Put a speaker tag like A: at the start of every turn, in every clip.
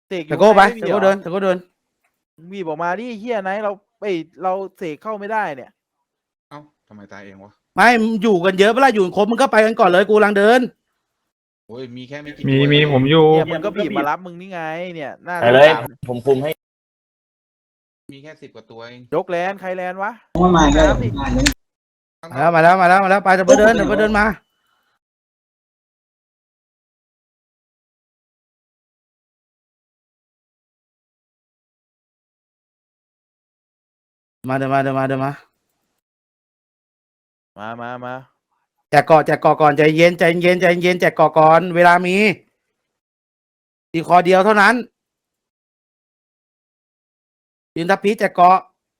A: เสกอ
B: ตะ
A: ยู่
B: โก้ไป
A: ไม่
B: ตะ
A: มี
B: โก้
A: เหร
B: เดิ
A: อน
B: ตะโก้เดิน
A: มีบอกมาดิเฮียไหนเราเสกเข้าไม่ได้เนี่ย
C: เอ้าทำไมตายเองวะ
B: ไม่มึงอยู่กันเยอะเวลาอยู่ครบมึงก็ไปกันก่อนเลยกูกำลังเดิน
C: โอ้ยมีแค่ไม่กี่
D: มี
C: ตัว
D: มี
C: เอง
D: ผมอยู่
A: เนี่ยมันก็บีบมารับมึงนี่ไงเนี่ยหน้า
E: ไปเลย
A: สาม
E: ผมคุมให้
C: มีแค่10 กว่าตัวเอง
A: ยกแลนใครแลนวะ
F: มาได้
A: น้ำดิ
B: มาแล้วไปตะโก้เดินตะโก้เดินมาเดินมา
A: มา
B: แจกเกาะก่อนใจเย็นแจกเกาะก่อนเวลามีอีกคอเดียวเท่านั้นยืนทับพีแจกเกาะ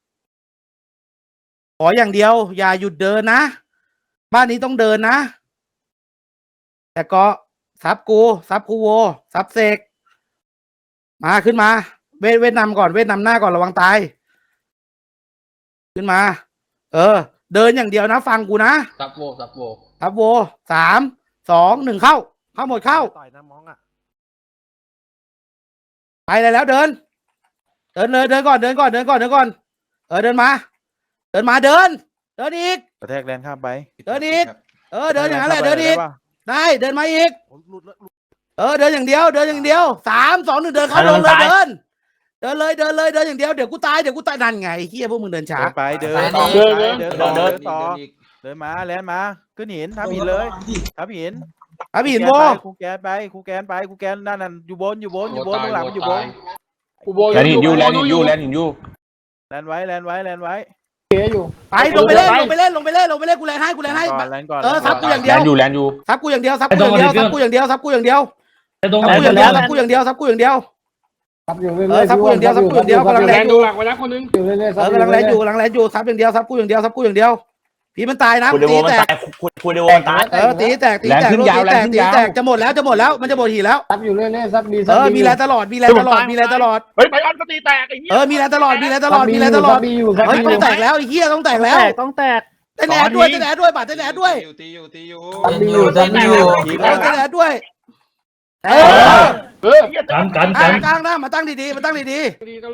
B: ขออย่างเดียวอย่าหยุดเดินนะบ้านนี้ต้องเดินนะแจกเกาะซับกูโวซับเสกมาขึ้นมาเวทนำก่อนเวทนำหน้าก่อนระวังตายขึ้นมาเดินอย่างเดียวนะฟังกูนะซับโว3 2 1เข้าหมดเข้าต่อยนะมองอ่ะไปเลยแล้วเดินเลยเดินก่อนเดินมาเดินอีก
A: กระแทกแลนข้ามไป
B: เดินอีก เดินอย่างนั้นแหละเดินอีกได้เดินมาอีกเดินอย่างเดียว3 2 1เดินเข้าลงเลยเดินเลยเดินอย่างเดียวเดี๋ยวกูตายนั่นไงเฮียพวกมึงเดินช้า
A: เดินต่อเดินมาแลนมาขึ้นหินทับหินเลยทับหิน
B: หินโว
A: ครูแกนนั่นอยู่บนข้างหลังอยู่บน
E: แลนหินยูแลนหินยู
A: แลนไว้
B: ไปลงไปเล่นกูแลนให้
A: ก่อน
B: ซับกูอย่างเดียว
E: แลนยู
B: ซับกูอย่างเดียวซับกูอย่างเดียวซับกูอย่างเดียวซับกูอย่างเดียว
F: ตรงไหน
B: ซับกูอย่างเดียวซับกูอย่างเดียว
F: ซับอยู่เรื่
B: ซับกูอย่างเดียวซับกูอย่างเดียวกำลังแลนอยู่
D: หลักไว้แล้วคนนึง
F: อยู่เรื่อยๆ
B: กำลังแลนอยู่ซับอย่างเดียวซับกูอย่างเดียวพี่มันตายนะ
E: คูเดโว
B: ตี
E: มัน
B: แต
E: ตาก ยคูเดโวมันตาย
B: ตีแตกตีแตกจะหมดแล้วมันจะหมดหีแล้ว
F: ซับอยู่เรื่อยๆซับดี
B: มีแรงตลอด
D: เฮ้ยไปออนก็ตีแตกไอ้เหี้ย
B: มีแรงตลอด
F: ดีอยู่ซับ
B: เฮ้ย
F: ดี
B: ต้องแตกแล้วไอ้เหี้ยต้องแตกแล้วต้องแตกเต้นแอดด้วยบาดเต้นแอดด้วย
C: ตีอยู่
F: ซับดีอยู่ซับดีอยู่
B: เต้นแอดด้วย
D: กัน
B: ตั้งหน้ามาตั้งดี
D: ดีก็